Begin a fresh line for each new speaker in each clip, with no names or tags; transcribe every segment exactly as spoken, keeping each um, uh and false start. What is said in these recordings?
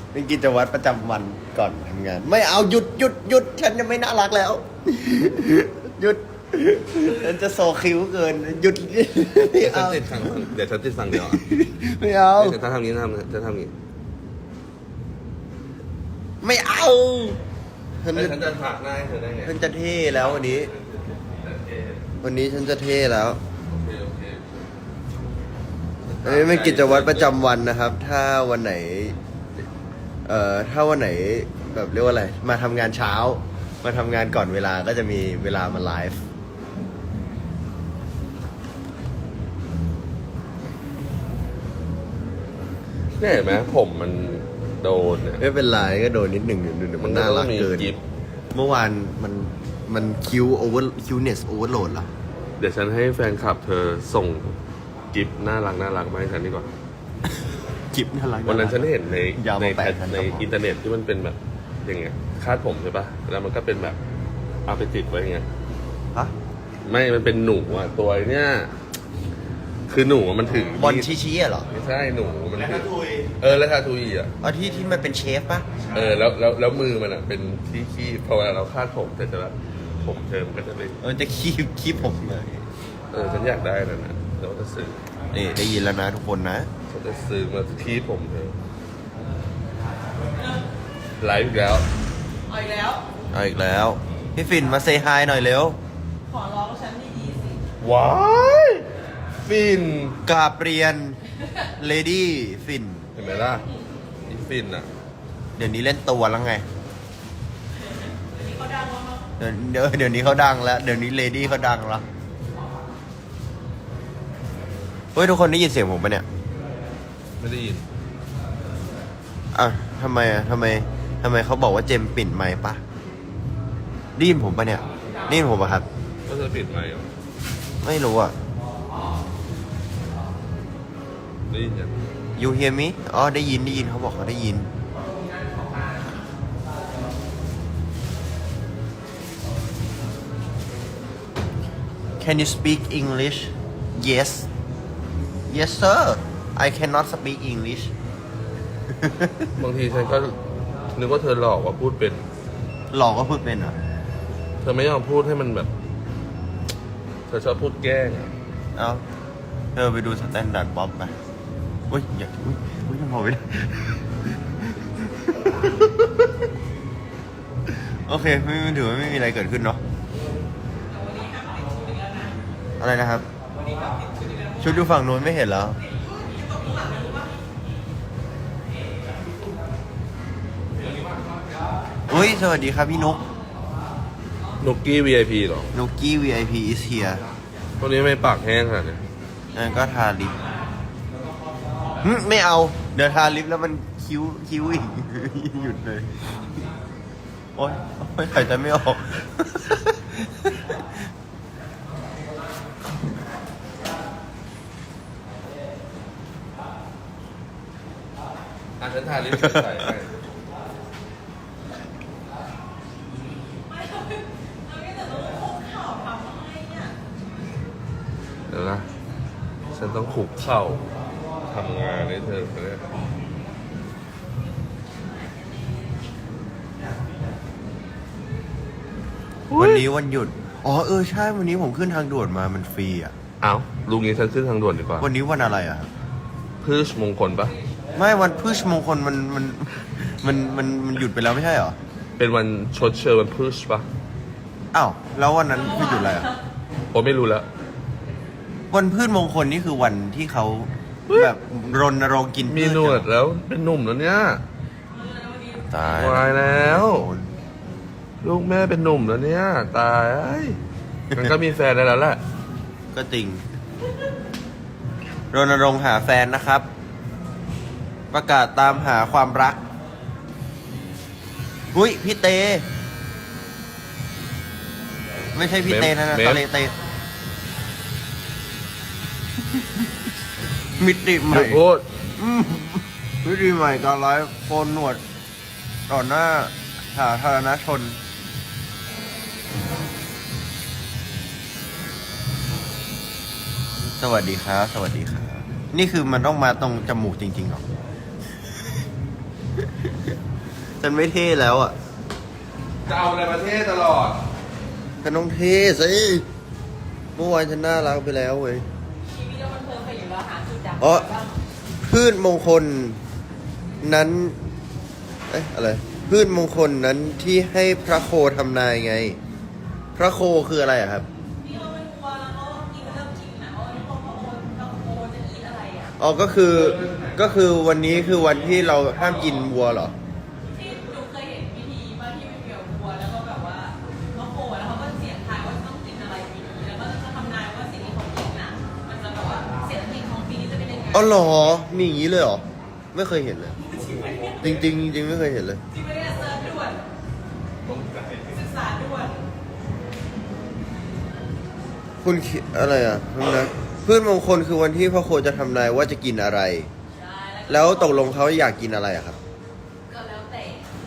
เป็นกิจวัตรประจำวันก่อนทำงาน ไม่เอาหยุดหยุดหยุดฉันจะไม่น่ารักแล้วหยุดฉันจะโซคิ้วเกินหยุด
เดี๋
ไม่
ยวฉัน
เอา
ติดสั่งเดี๋ยวฉันติดสั่งเดียวอ่ะ
ไม่เอา
เดี๋ยวถ้าทำงี้ทำจะทำงี้
ไม่เอาฉัน
แล้ว
จะ
ฉันจะถักหน้าให้เธอได้ไง
ฉันจะเท่แล้ววันนี้ วันนี้ฉันจะเท่แล้ว
โอเคโอเค
อันนี้เป็นกิจวัตรประจำวันนะครับ ถ้าวันไหน เอ่อ ถ้าวันไหนแบบเรียกว่าอะไร มาทำงานเช้า มาทำงานก่อนเวลาก็จะมีเวลามาไลฟ์
เนี่ยเห็นไหมผมมันโดนเนี่ย
ไม่เป็นไรก็โดนนิดหนึ่งเดี๋ยวมันน่ารักเกิน
มันต้องมีกิฟต์
เมื่อวานมันมันคิวโอเวอร์คิวเนสโอเวอร์โหลดเหรอ
เดี๋ยวฉันให้แฟนคลับเธอส่งกิฟต์น่ารักน่ารักมาให้ฉันดีกว่า
กิฟน่ารัก
วันนั้นฉันเห็นใน
ยาว
ใน
มาแปดพัน
ใน
กระบอก
อินเทอร์เน็ตที่มันเป็นแบบอย่างเงี้ยคาดผมใช่ปะแล้วมันก็เป็นแบบเอาไปติดไว้อย่างเงี้ย
ฮะ
ไม่มันเป็นหนูอ่ะตัวเนี้ยคือหนูอะมันถือบ
อลชี้ๆอะเหรอ
ไม่ใช่หนูมันถือเออแล้วทาทุยอ่ะ
เอาที่ที่มันเป็นเชฟปะ
เออแล้วแล้วแล้วมือมันอ่ะเป็นที่ขี้พอเวลาเราคาดผมแต่จะแบบผมเธอมันก็จะเป็น
เออจะคีบคีบผมเลย
เออฉันอยากได้แล้วนะเราจะซื้อ
นี่ได้ยินแล้วนะทุกคนนะ
ฉันจะซื้อมาที่ผมเธอไลฟ์อีกแล้ว
เอาอีกแล้ว
เอาอีกแล้ว พี่ฟินมาเซฮายหน่อยเร็ว
ขอร้องฉันดีๆสิ
ว้ายฟิน
กราบเรียนเลดี้ฟิน
เห็นไหมล่ะอีฟินอ่ะ
เดี๋ยวนี้เล่นตัวแล้วไง
นี่เขาดังแล้วมั้ง
เดี๋ยวเดี๋ยวเดี๋ยวนี้เขาดังแล้ว เดี๋ยวนี้เลดี้เขาดังแล้ว เฮ้ยทุกคนได้ยินเสียงผมปะเนี่ย
ไม่ได้ยิน
อ่ะทำไมอ่ะทำไมทำไมเขาบอกว่าเจมส์ปิดไมค์ปะได้ยินผมปะเนี่ยได้ยินผมปะครับ
ก็จะปิดไหมค์เหรอ
ไม่รู้อ่ะ
ได้ยินยัง
you hear me อ๋อได้ยินได้ยินเขาบอกเขาได้ยิน Can you speak English Yes Yes sir I cannot speak English
บางทีฉันก็นึกว่าเธอหลอกว่าพูดเป็น
หลอกก็พูดเป็นเหรอ
เธอไม่ยอมพูดให้มันแบบ เธอชอบพูดแกล้งอะ
เอาเธอไปดูสแตนดาร์ดบ๊อบไปอุ้ยอย่าอุ้ยอุ้ยยังพอไม่ได้ โอเคไม่ไม่ถือว่าไม่มีอะไรเกิดขึ้นเนาะอะไรนะครับ ชุดอยู่ฝั่งนู้นไม่เห็นแล้ว อุ้ยสวัสดีครับพี่นุก
นุกกี้ วี ไอ พี เหรอ
นุกกี้ วี ไอ พี is here
พวกนี้ไม่ปากแห้งขนาดนี้
นั่นก็ทาลิปหึไม่เอา เดี๋ยวทาลิปแล้วมันคิ้วคิ้วอีก หยุดเลย โอ๊ยโอ๊ยหายใจไม่ออก
อ่ะฉันทาลิปใส่ให้
ไม่เราเราไม่แต่ต้องคุกเข่าทำอะไรเนี่ย
เดี๋ยวนะ ฉันต้องขุกเข่าทำงานให้เธอเลย
วันนี้วันหยุด อ๋อเออใช่วันนี้ผมขึ้นทางด่วนมามันฟรีอ่ะ
เอ้าลุงนี้ฉันขึ้นทางด่วนดีกว่า
วันนี้วันอะไรอ่ะ
พืชมงคลปะ
ไม่วันพฤชมงคลมันมันมันมันมันหยุดไปแล้วไม่ใช่เหรอ
เป็นวันชดเชยวันพืชปะ
อ้าวแล้ววันนั้นคือหยุดอะไรอ่ะ
ผมไม่รู้แล้ว
วันพืชมงคลนี่คือวันที่เขาแบบรณรงค์กินพืช
มีหนวดแล้วเป็นหนุ่มแล้วเนี่ย
ตาย
ตายแล้ว ลูกแม่เป็นหนุ่มแล้วเนี่ย ตายเอ้ยมันก็มีแฟนได้แล้วแหละ
ก็จริงรณรงค์หาแฟนนะครับ ประกาศตามหาความรักหุ้ยพี่เต ไม่ใช่พี่เตนะนะ
เมม
ตะเลเต มิติให
หยุ
ม่
ดพูด
อืมมิติใหม่การไลฟ์โกนหนวด ต่อหน้าสาธารณชน สวัสดีครับ สวัสดีครับ นี่คือมันต้องมาตรงจมูกจริงๆเหรอฉันไม่เท่แล้วอ่ะ
จะเอาอะไรประเทศตลอด
ฉันต้องเท่สิเมื่อวานฉันน่ารักไปแล้วเว้ย
ชีวิตเรามันเพลินไปอยู่แล้วหาจุดดับ
อ๋อ
บ้าง
พืชมงคลนั้น เอ๊ะอะไร พืชมงคลนั้นที่ให้พระโคทำนายไง พระโคคืออะไรอะครับ
ที่เราเป็นวัวแล้วเขากินเริ่มกินนะว่าพอพอเราโคจะกินอะไรอ่ะ
อ๋อ ก็คือ ก็คือวันนี้คือวันที่เราห้ามกินวัวเหรอ
ที่หนูเคยเห็นพิธีมาที่เป็นเกี่ยวกับวัวแล้วก็แบบว่าเขาโคแล้วเขาก็เสียงทายว่าต้องกินอะไรปีนี้แล้วก็จะทำนายว่าสิ่งที่เขากินน่ะมันจะแบบว่าเศรษฐกิจของปีนี้จะเป็นยังไง
อ๋อเหรอ มีอย่างนี้เลยเหรอ ไม่เคยเห็นเลย จริงจริงๆจริงๆไม่เคยเห็นเลย
จริงไม่ได้เซิร์ชด่วนศึกษาด่วน
คุณคิดอะไรอ่ะนะพืชมงคลคือวันที่พระโคจะทำนายว่าจะกินอะไร
ใช่
แล้วตกลงเขาอยากกินอะไรอะครับ
ก็แล้วแต่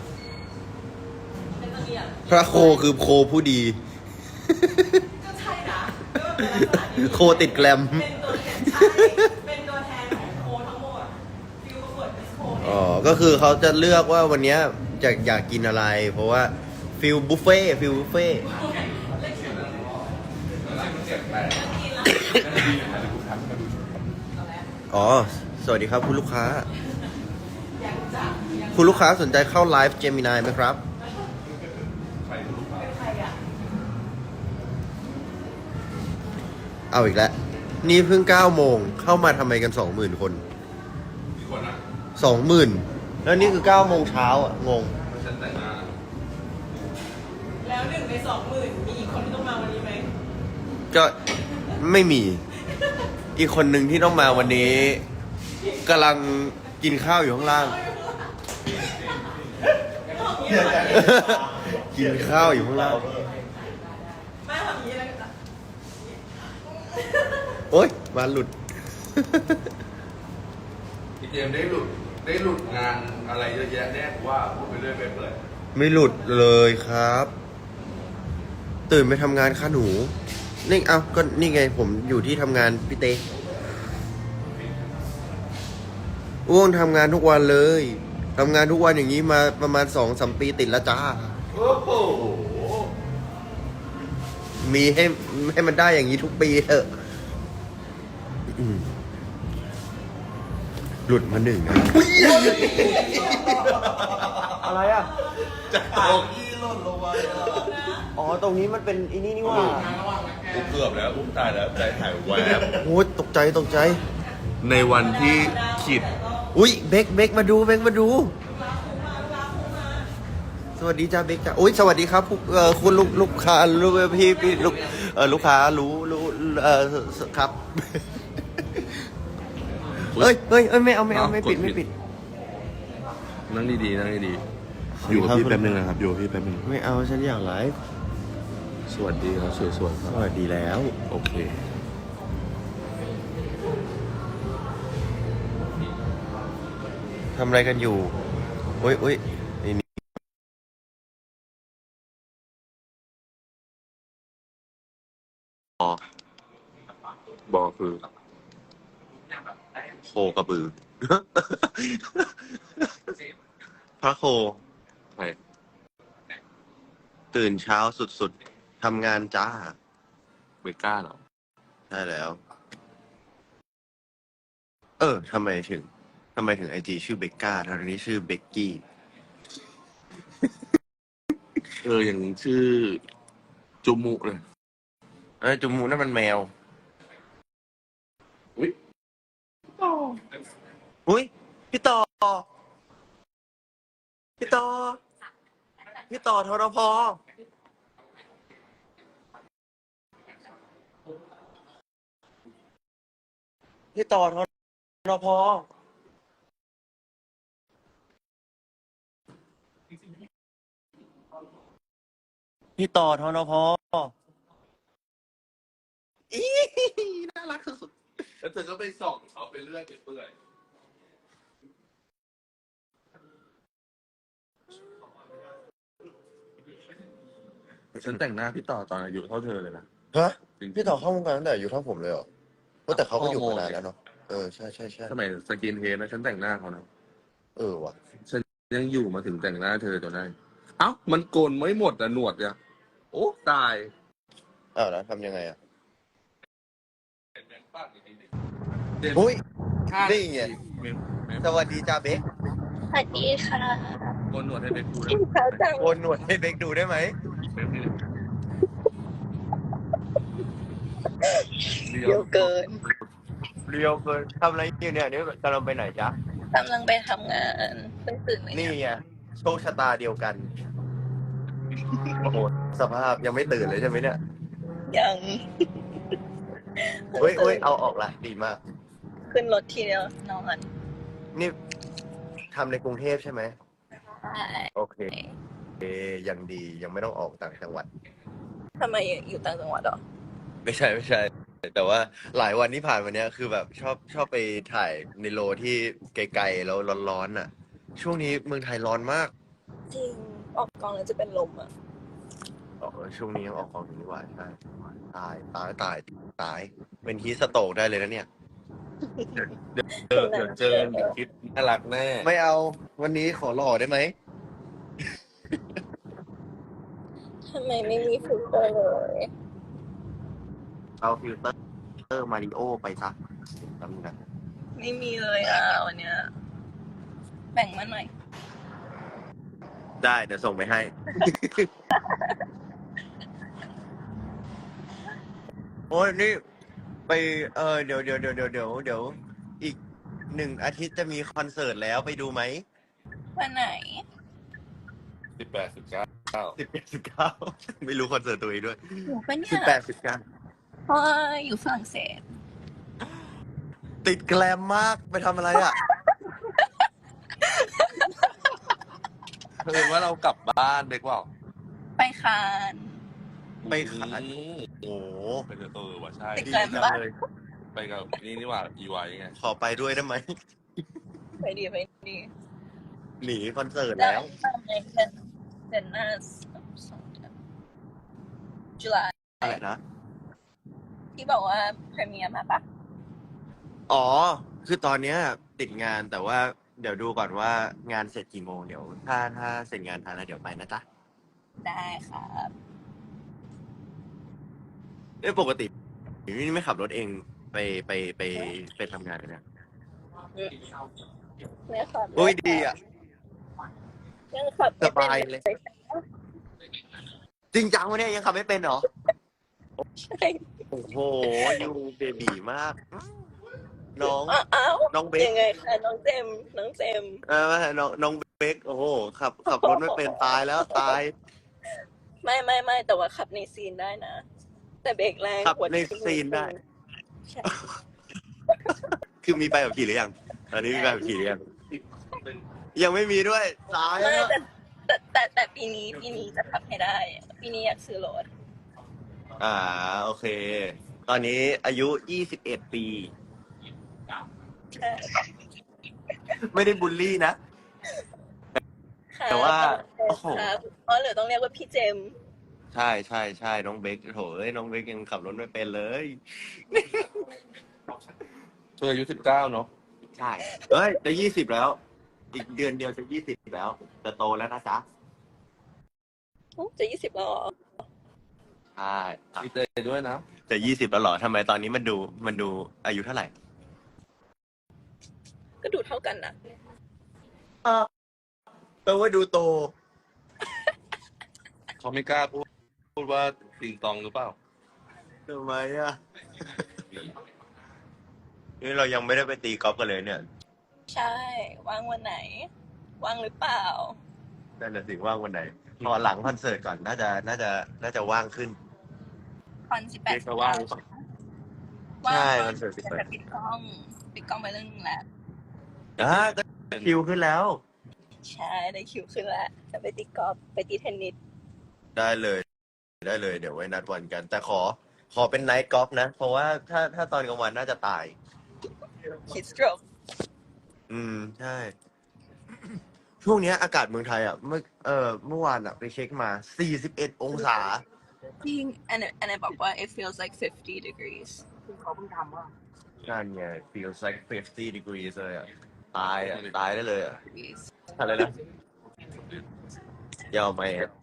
เป็นตัวเดียว
พระโคคือโคผู้ดี
ก็ใช่นะก็เป็นลักษณะนี้
โคติดแกรม
เป็นตัวแทนใช่เป็นตัวแทนของโคทั้งหมดฟิวประกวดมิสโคเนี่ย
อ๋อ ก็คือเขาจะเลือกว่าวันเนี้ยจะอยากกินอะไร เพราะว่าฟิลบุฟเฟ่ฟิลบุฟเฟ่ อ๋อ สวัสดีครับคุณลูกค้า
อยากจับอยาก
คุณลูกค้าสนใจเข้าไลฟ์เจมินายไหมครับ
เป็นใครอ่ะ
เอาอีกแล้ว นี่เพิ่งเก้าโมง เข้ามาทำไมกันสองหมื่นคน
กี่คนนะ
สองหมื่นแล้วนี่คือเก้าโมงเช้าอ่ะ งง
ฉันแต่งหน้า
แล้วหนึ่งในสองหมื่นมีอีกคนที่ต้องมาวันนี้ไหม
ก็ไม่มี อีกคนหนึ่งที่ต้องมาวันนี้กำลังกินข้าวอยู่ข้างล่าง กินข้าวอยู่ข้างล่าง
ไม่ทำอย่างนี้แล้วกัน
โอ๊ยมาหลุด
พี่เจมส์ได้หลุด ได้หลุดงานอะไรเยอะแยะแน่กูว่าพูดไปเรื่อยไปเปื่อย
ไม่หลุดเลยครับ ตื่นไปทำงานค่ะหนู นี่เอาก็นี่ไงผมอยู่ที่ทำงานพี่เต้อ้วงทำงานทุกวันเลยทำงานทุกวันอย่างนี้มาประมาณสองสามปีติดแล้วจ้า
โอ้โห
มีให้ให้มันได้อย่างนี้ทุกปีเถอะอืมหลุดมาหนึ่งนะอะไรอ่ะ
จะเอาขี้หล่นลงมา
อ๋อ ตรงนี้มันเป็นอีนี่นี่ว่า
เกือบแล้วอุ้มตายแล้วใจหายแวบ
โอ้ยตกใจตกใจ
ในวันที่ขีด
อุ้ยเบกเบกมาดูเบกมาดู สวัสดีจ้าเบกจ้าอุ้ยสวัสดีครับผู้เอ่อคุณลูกลูกค้าลูกพี่พี่ลูกเออลูกค้ารู้รู้เออครับเฮ้ยเฮ้ยเอ้ยไม่เอาไม่เอาไม่ปิดไม่ปิด
นั่งดีๆนั่งดีๆอยู่กับพี่แป๊บนึงนะครับอยู่กับพี่แป๊บนึง
ไม่เอาฉันอยากไลฟ์
สวัสดีครับสวยๆค
ส
รับ
วัสดีแล้ว
โอเค
ทำอะไรกันอยู่อุ้ยอุ้ยไอ้นี่
บอคือ
โคกระบือ พระโค
ใคร
ตื่นเช้าสุดๆ ทำงานจ้า
เบก้าเหรอ
ใช่แล้ว เออ ทำไมถึง ทำไมถึงไอจีชื่อเบกก้าทางนี้ชื่อเบกกี้
เอออย่างชื่อจุมุเลย
เอ้ยจุมูนั่นมันแมว
อุ้ย
อุ้ย พี่ต่อ พี่ต่อ พี่ต่อทรพพี่ต่อทรพพี่ต่อทรพอีน่ารักสุด
แล้วเธอก็ไปส่องเขาไปเรื่อยไปเปื่อยฉันแต่งหน้าพี่ต่อตอนอายุเท่าเธอเลยนะ
ๆฮะพี่ต่อเข้าวงการตั้งแต่อายู่เท่าผมเลยเหรอเออแต่เขาก็อยู่มานานแล้วเนาะ เออ ใช่ใช่ใช่
สมัยสกินเฮดนะฉันแต่งหน้าเขานะ
เออว่ะ
ฉันยังอยู่มาถึงแต่งหน้าเธอจนได้เอ้ามันโกนไม่หมดอะหนวดอะโอ้ตาย
อ้าวแล้วทำยังไงอ่ะอุ้ยนี่ไงสวัสดีจ้าเบค
สวัสดีค่ะ
โกนหนวดให้เบคดู
กินข้าวจัง
โกนหนวดให้เบคดูได้ไหม
เบคนี่
เยอะเกิน
เรียวเกินทำอะไรอยู่เนี่ยนี่กำลังไปไหนจ๊ะ
กำลังไปทำงานเพิ่งตื่นเลย
นี่
เนี่ย
ไงโชคชะตาเดียวกันโอ้โหสภาพยังไม่ตื่นเลยใช่ไหมเนี่ย
ยัง
เฮ้ยเฮ้ยเอาออกละดีมาก
ขึ้นรถทีเดียวนอน
นี่ทำในกรุงเทพใช่ไหม
ใช่
โอเคเอยังดียังไม่ต้องออกต่างจังหวัด
ทำไมอยู่ต่างจังหวัดเหรอ
ไม่ใช่ไม่ใช่ แต่ว่าหลายวันที่ผ่านมาเนี้ยคือแบบชอบชอบไปถ่ายในโลที่ไกลๆแล้วร้อนๆอ่ะ ช่วงนี้เมืองไทยร้อนมาก
จริง ออกกองแล้วจะเป็นลมอ่ะ
อ๋อช่วงนี้ยังออกกองอยู่นี่หว่าใช่ตายตายตายตาย เป็นฮีทสโตรกได้เลยนะเนี่ย
เจอเดี๋ยวเจอเดี๋ยวคิดน่ารักแน่
ไม่เอาวันนี้ขอหล่อได้ไหม
ทำไมไม่มีฟิลเตอร์เลย
เอาฟิลเตอร์เตอร์มาริโอไปซะแป๊บนึงนะ
ไม่มีเลยอ่ะวันเนี้ยแบ่งมาหน่อย
ได้เดี๋ยวส่งไปให้ โอ้ยนี่ไปเออเดี๋ยวเดี๋ยวเดี๋ยวเดี๋ยวเดี๋ยวเดี๋ยวอีกหนึ่งอาทิตย์จะมีคอนเสิร์ตแล้วไปดูไหม
วันไหน
สิบแปดสิบเก้า
สิบแปดสิบเก้า ไม่รู้คอนเสิร์ตตัวเองด้วย
อยู่ปะเนี่
สิบ
ย
แปดสิบเก้า
เพราะว่าอยู่ฝรั่งเศส
ติดแกลมมากไปทำอะไรอ่ะ
เธอว่าเรากลับบ้านเบคบอก
ไปคาน
ไปขาย
อืม
โอ้โห
ไปเจอเออว่ะใช่
ติด
ดี
แกลม
จัง
ปะ
เลย
ไปกับนี่นี่หว่าอีไวไง
ขอไปด้วยได้ไหม
ไปดีไปดี
หนีคอนเสิร์ต
แล้
แล้ว ว
ทำในเดือนเดือนหน้าสองเดือนจุลา
อะไรนะ
ที่บอกว่าพรีเมียร์มาปะ
อ๋อ คือตอนเนี้ยติดงานแต่ว่าเดี๋ยวดูก่อนว่างานเสร็จกี่โมงเดี๋ยวถ้าถ้าเสร็จงานทันแล้วเดี๋ยวไปนะจ๊ะ
ได้ครับ
เอ้ยปกตินี่ไม่ขับรถเองไปไปไปไปทำงานเลยเนี่ย
เนี่ยครับ
โอ้ยดีอ่ะ
ยังขับ
สบายเลย จริงจังวะเนี่ยยังขับไม่เป็นเหรอ
ใช่
โอ้โหยูเบบีมาก น้อง
อ้าว
น้องเบค
ยังไงคะน้องเจมส์น้องเจมส์
เออน้องน้องเบคโอ้โหขับขับรถไม่เป็นตายแล้วตาย
ไม่ไม่ไม่แต่ว่าขับในซีนได้นะ แต่เบรกแรง
ขับ
หัว
ในซีนได้
ใช่
คือมีใบขับขี่หรือยังตอนนี้มีใบขับขี่หรือยังยังไม่มีด้วยตาย
ไม่
แล้ว
แต่แต่แต่แต่ปีนี้ปีนี้จะขับให้ได้ ปีนี้อยากซื้อรถ
อ่าโอเค ตอนนี้อายุยี่สิบเอ็ดปี
ใช่
ไม่ได้บูลลี่นะ
ค่ะ
แต่ว่า
โอ้โหอ๋อหรือต้องเรียกว่าพี่เจมส์
ใช่ใช่ใช่น้องเบคโถเอ้ยน้องเบคยังขับรถไม่เป็นเลย
เธออายุสิบเก้าเนาะ
ใช่เฮ้ยจะยี่สิบแล้ว อีกเดือนเดียวจะยี่สิบแล้ว จะโตแล้วนะจ๊ะ
อุ๊ยจะยี่สิบแล้วเหรอ
ใช่
ดีใจด้วยนะ
จะยี่สิบแล้วเหรอทำไมตอนนี้มันดูมันดูอายุเท่าไหร่
ก็ดูเท่ากันนะ
แปลว่าดูโต
เขาไม่กล้าพูดพูดว่าติงตองหรือเปล่า
ทำไมอ่ะ นี่เรายังไม่ได้ไปตีกอล์ฟกันเลยเนี่ย
ใช่ว่างวันไหน ว่างหรือเปล่า
นั่นแหละสิว่างวันไหน พอหลังคอนเสิร์ตก่อนน่าจะน่าจะน่าจะว่างขึ้น
คอนสิบแป
เรี
ด
ยกว่าว่างหรือเปล่า
ใช่
ว่าง
คอนเสิร์ตสิบแปด
แต่ปิดกล้องปิดกล้องไปเรื่องนึงแล้ว
อ่าก็คิวขึ้นแล้ว
ใช่ได้คิวขึ้นแล้วจะไปตีกอล์ฟไปตีเทนนิส
ได้เลย ได้เลย เดี๋ยวไว้นัดวันกัน แต่ขอ ขอเป็นไนท์กอล์ฟนะ เพราะว่าถ้าถ้าตอนกลางวันน่าจะตาย
คิดสโตรก
อืม ใช่ ช่วงเนี้ยอากาศเมืองไทยอ่ะเมื่อเออเมื่อวานอ่ะไปเช็คมาสี่สิบเอ็ดองศา
จริง and and I บอกว่า it feels like fifty degrees
นั่นไง feels like fifty degrees เลยอ่ะ ตายอ่ะ ตายได้เลยอ่ะ
degrees
อะไรนะยอมไหมอะ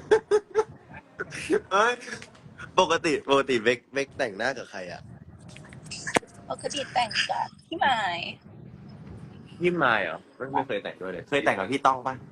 เฮ้ยปกติปกติเบกเบกแต่งหน้ากับใครอ่ะ
ปกติแต่งกับพี่หมาย
พี่มายเหรอไม่ไม่เคยแต่งด้วยเลยเคยแต่งกับพี่ต้องปะ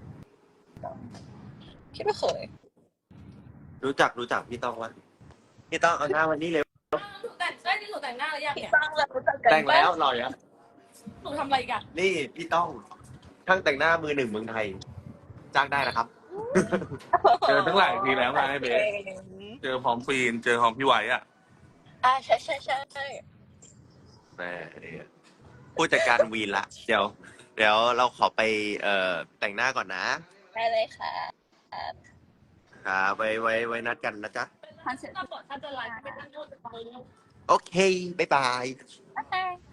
พี่ไม่เคย
รู้จักรู้จักพี่ต้องปะพี่ต้องเอาหน้าวันนี้เลย
หนูแต่งได้ที่หนูแต่งหน้าแล้วยัง
พี่
เนี่ย
สร้างเรารู้จักกัน
แต่งแล้ว
ปะ
รออย่าง
หนูทำอะไรกัน
นี่พี่ต้องช่างแต่งหน้ามือหนึ่งเมืองไทย จ้างได้นะครับ
เจอตั้งหลายทีแล้วไงเบส
เก่ง
เจอพร้อมฟีนเจอพร้อมพี่ไหวอ่ะ
อ่าใช่ใช่ใช่ใช่
แม่เนี่ยผู้จัดการวีนละเดี๋ยว เดี๋ยวเราขอไปเอ่อแต่งหน้าก่อนนะ
ได้เลยค่ะ
ครับไว้ไว้ไว้นัดกันนะจ๊ะ
คอนเสิร์ต
ถ้าบอกถ้าจะไลฟ์ไม่ต้องพูดไป
โอเค บ๊ายบาย
บ๊ายบาย